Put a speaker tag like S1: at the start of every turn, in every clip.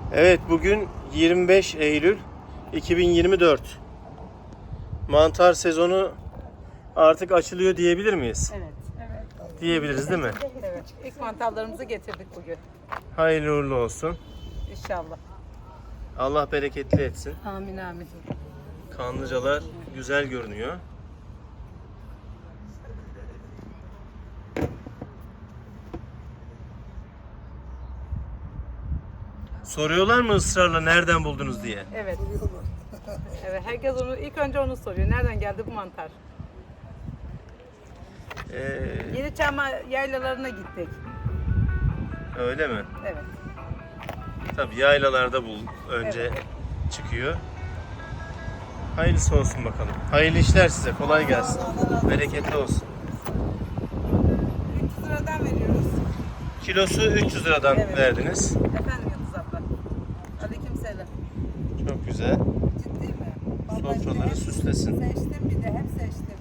S1: Evet, bugün 25 Eylül 2024. Mantar sezonu artık açılıyor diyebilir miyiz?
S2: Evet.
S1: Diyebiliriz değil mi?
S2: Evet. İlk mantarlarımızı getirdik bugün.
S1: Hayırlı uğurlu olsun.
S2: İnşallah.
S1: Allah bereketli etsin.
S2: Amin amin.
S1: Kanlıcalar güzel görünüyor. Soruyorlar mı ısrarla nereden buldunuz diye?
S2: Evet. Evet. Herkes onu ilk önce onu soruyor. Nereden geldi bu mantar? Yeniçam yaylalarına gittik.
S1: Öyle mi?
S2: Evet.
S1: Tabii yaylalarda önce çıkıyor. Hayırlısı olsun bakalım. Hayırlı işler size. Kolay gelsin. Bereketli olsun.
S2: 300 liradan veriyoruz.
S1: Kilosu 300 liradan
S2: Evet.
S1: verdiniz.
S2: Efendim Yıldız abla. Aleykümselam.
S1: Çok güzel.
S2: Ciddi mi?
S1: Sofraları süslesin.
S2: Seçtim bir de hep seçtim.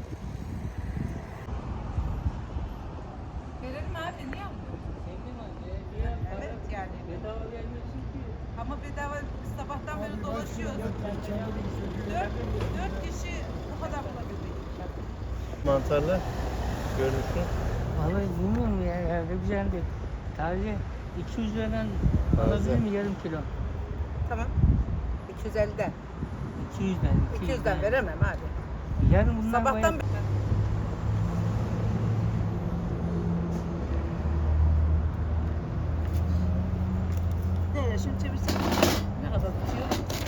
S2: Verelim abi niye almıyorsun? Evet yani. Bedava gelmiyorsun ki. Ama bedava biz sabahtan beri dolaşıyoruz. 4 kişi bu kadar bulabildik.
S1: Mantarlar görünüşü.
S3: Vallahi bilmiyorum ya, herhalde güzeldi. Taze 200 liradan alabilir mi yarım kilo?
S2: Tamam. 250'den.
S3: 200'den.
S2: 200'den veremem abi.
S3: Yarın bundan
S2: Sabahtan
S3: bayağı-
S2: beri. Nereye şimdi çevirsin? Ne kadar tutuyor?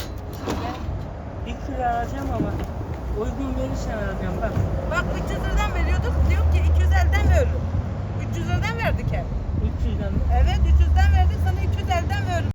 S3: 1 kilo alacağım ama uygun verirsen alacağım bak.
S2: Bak 300 liradan veriyorduk. Diyor ki 250'den veririm. 300 liradan verdik hep.
S3: 300'den
S2: Evet 300'den verdik sana 250'den veririm.